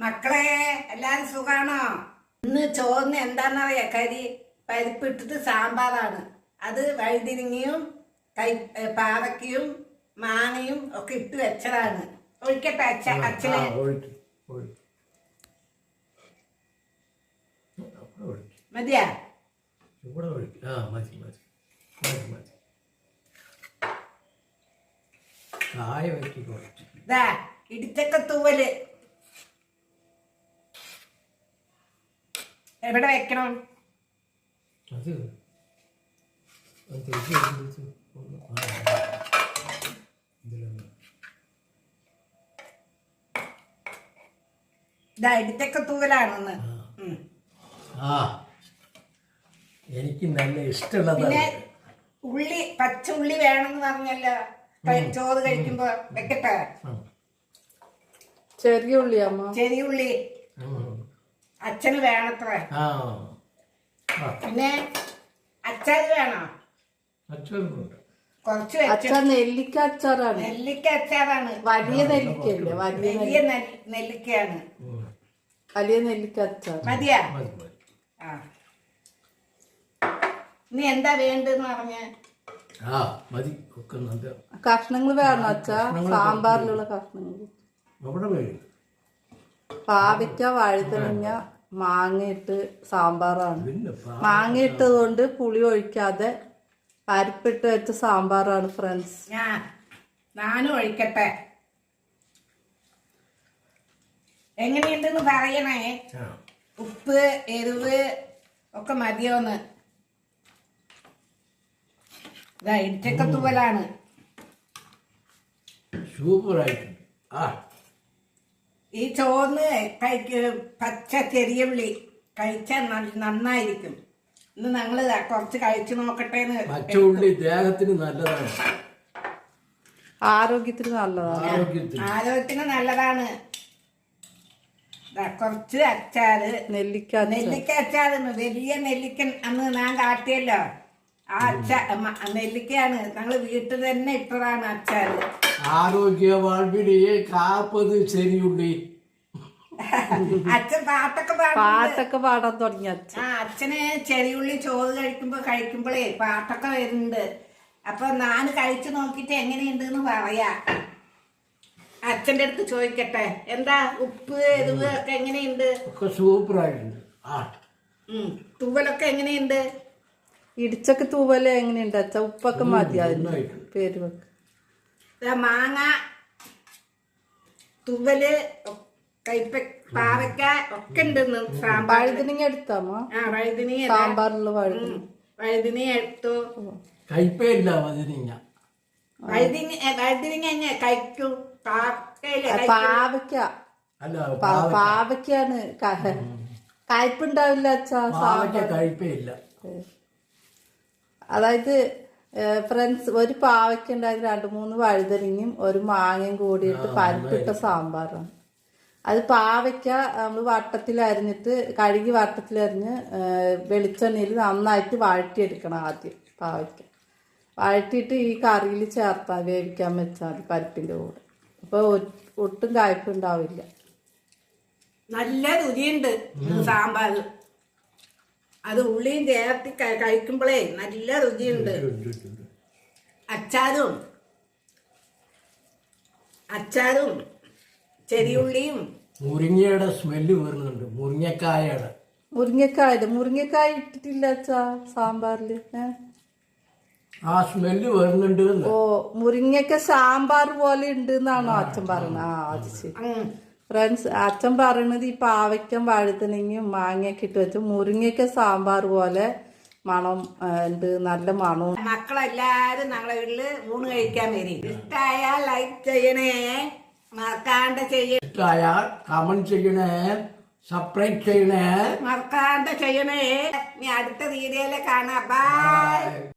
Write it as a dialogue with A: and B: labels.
A: മക്കളെ എല്ലാരും സുഖാണോ? ഇന്ന് ചോറിന് എന്താന്നറിയാ? പരിപ്പിട്ടിട്ട് സാമ്പാറാണ്. അത് വഴുതിരിങ്ങയും പാവയ്ക്കയും മാങ്ങയും ഒക്കെ ഇട്ട് വെച്ചതാണ്. ഒഴിക്കട്ടെ അച്ഛനെ? മതിയാ? ഇടിച്ചക്ക തൂവല് എവിടെ വെക്കണം? ഇടിച്ചക്ക തൂവലാണെന്ന്.
B: എനിക്ക് നല്ല ഇഷ്ടമുള്ള
A: പിന്നെ ഉള്ളി, പച്ച ഉള്ളി വേണമെന്ന് പറഞ്ഞല്ലോ ചോറ് കഴിക്കുമ്പോ. വെക്കട്ടെ?
C: ചെറിയ ഉള്ളി അമ്മ,
A: ചെറിയ ഉള്ളി അച്ഛന് വേണത്ര. പിന്നെ അച്ചാറ് വേണോ? കുറച്ച്
C: അച്ചാർ നെല്ലിക്ക അച്ചാറാണ്.
A: നെല്ലിക്ക അച്ചാറാണ്.
C: വലിയ നെല്ലിക്കല്ലേ?
A: വലിയ നെല്ലിക്കയാണ്.
C: വലിയ നെല്ലിക്ക അച്ചാർ
A: മതിയാ? നീ എന്താ വേണ്ടെന്ന് പറഞ്ഞ?
C: കഷ്ണങ്ങൾ വേണം അച്ഛാ, സാമ്പാറിലുള്ള കഷ്ണങ്ങൾ. പാവയ്ക്ക, വഴുതനങ്ങ, മാങ്ങയിട്ട് സാമ്പാറാണ്. മാങ്ങ ഇട്ടത് കൊണ്ട് പുളി ഒഴിക്കാതെ പരിപ്പിട്ട് വെച്ച സാമ്പാറാണ് ഫ്രണ്ട്സ്.
A: ഞാനും ഒഴിക്കട്ടെ? എങ്ങനെയുണ്ടെന്ന് പറയണേ. ഉപ്പ്, എരിവ് ഒക്കെ മതിയോന്ന്. ഇടിച്ചക്ക തൂവലാണ്. ഈ ചോറിന് പച്ച ചെറിയ ഉള്ളി കഴിച്ചാൽ നന്നായിരിക്കും. ഇന്ന് ഞങ്ങള് കുറച്ച് കഴിച്ചു നോക്കട്ടെ.
B: പച്ചയുള്ളി ദേഹത്തിന് നല്ലതാണ്,
C: ആരോഗ്യത്തിന് നല്ലതാണ്.
A: ആരോഗ്യത്തിന് നല്ലതാണ്. കുറച്ച് അച്ചാറ്, നെല്ലിക്ക അച്ചാറ്. വലിയ നെല്ലിക്കൻ അന്ന് ഞാൻ കാട്ടിയല്ലോ, ആ നെല്ലിക്കയാണ്. ഞങ്ങള് വീട്ടിൽ തന്നെ ഇട്ടതാണ് അച്ചാറ്.
B: ആരോഗ്യ വാഴ്വിടിയെ കാപ്പത് ശരിയുള്ളി.
A: അച്ഛൻ പാട്ടൊക്കെ
C: പാടാൻ തുടങ്ങി.
A: അച്ഛന് ചെറിയുള്ളി ചോറ് കഴിക്കുമ്പോഴേ പാട്ടൊക്കെ വരുന്നുണ്ട്. അപ്പൊ ഞാൻ കഴിച്ചു നോക്കിട്ട് എങ്ങനെയുണ്ടെന്ന് പറയാ. അച്ഛന്റെ അടുത്ത് ചോദിക്കട്ടെ, എന്താ ഉപ്പ്, എരിവ് ഒക്കെ എങ്ങനെയുണ്ട്?
B: സൂപ്പറായിട്ടുണ്ട്.
A: തൂവലൊക്കെ എങ്ങനെയുണ്ട്?
C: ഇടിച്ചൊക്കെ തൂവല് എങ്ങനെയുണ്ട് അച്ഛാ? ഉപ്പൊക്കെ മതി അതിന് പേര് വെക്ക.
A: മാങ്ങ, തൂവല്, പാവയ്ക്ക ഒക്കെ ഉണ്ട്.
C: വഴുതനങ്ങ എടുത്താമോ?
A: വഴുതനങ്ങ
C: സാമ്പാറിലുള്ള
A: വഴുതനങ്ങ എടുത്തു.
B: കയ്പയില്ല വഴുതനങ്ങ.
A: വഴുതനങ്ങ കഴിക്കൂ.
C: പാവയ്ക്കാണ് കയ്പുണ്ടാവില്ല അച്ഛാ.
B: കയ്പയില്ല.
C: അതായത് ഫ്രണ്ട്സ്, ഒരു പാവയ്ക്ക ഉണ്ടായത് 2-3 വഴുതനങ്ങയും ഒരു മാങ്ങയും കൂടിയിട്ട് പരിപ്പിട്ട സാമ്പാറാണ്. അത് പാവയ്ക്ക നമ്മൾ വട്ടത്തിലരിഞ്ഞിട്ട് കഴുകി വട്ടത്തിലരിഞ്ഞ് വെളിച്ചെണ്ണയിൽ നന്നായിട്ട് വഴറ്റിയെടുക്കണം. ആദ്യം പാവയ്ക്ക വഴറ്റിയിട്ട് ഈ കറിയിൽ ചേർത്താൽ വേവിക്കാൻ വെച്ചാൽ മതി പരിപ്പിൻ്റെ കൂടെ. അപ്പോൾ ഒട്ടും കായ്പുണ്ടാവില്ല.
A: നല്ല രുചിയുണ്ട് സാമ്പാർ. അത് ഉള്ളിയും ചേർത്തി കഴിക്കുമ്പോഴേ നല്ല രുചിയുണ്ട്. അച്ചാറും ചെറിയുള്ളിയും.
B: മുരിങ്ങയുടെ സ്മെല്ല് വരുന്നുണ്ട്.
C: മുരിങ്ങക്കായ ഇട്ടിട്ടില്ല അച്ഛാ സാമ്പാറില്.
B: ആ സ്മെല്ല് വരുന്നുണ്ട്.
C: മുരിങ്ങക്ക സാമ്പാർ പോലെ ഉണ്ട് എന്നാണോ അച്ഛൻ പറയണത്? അത് ശരി ഫ്രണ്ട്സ്. അച്ഛൻ പറയണത് ഈ പാവയ്ക്കും വഴുതനങ്ങയും മാങ്ങയൊക്കെ ഇട്ട് വെച്ച് മുരിങ്ങയ്ക്ക സാമ്പാർ പോലെ മണം ഉണ്ട്, നല്ല മണവും.
A: മക്കളെല്ലാരും ഞങ്ങളെ വീട്ടില് ഊണ് കഴിക്കാൻ വരും. ഇഷ്ടായാൽ ലൈക്ക് ചെയ്യണേ, മറക്കാണ്ട് ചെയ്യണേ.
B: ഇഷ്ടായാൽ കമന്റ് ചെയ്യണേ, സബ്സ്ക്രൈബ് ചെയ്യണേ,
A: മറക്കാണ്ട് ചെയ്യണേ. ഇനി അടുത്ത വീഡിയോയില് കാണാം. ബൈ.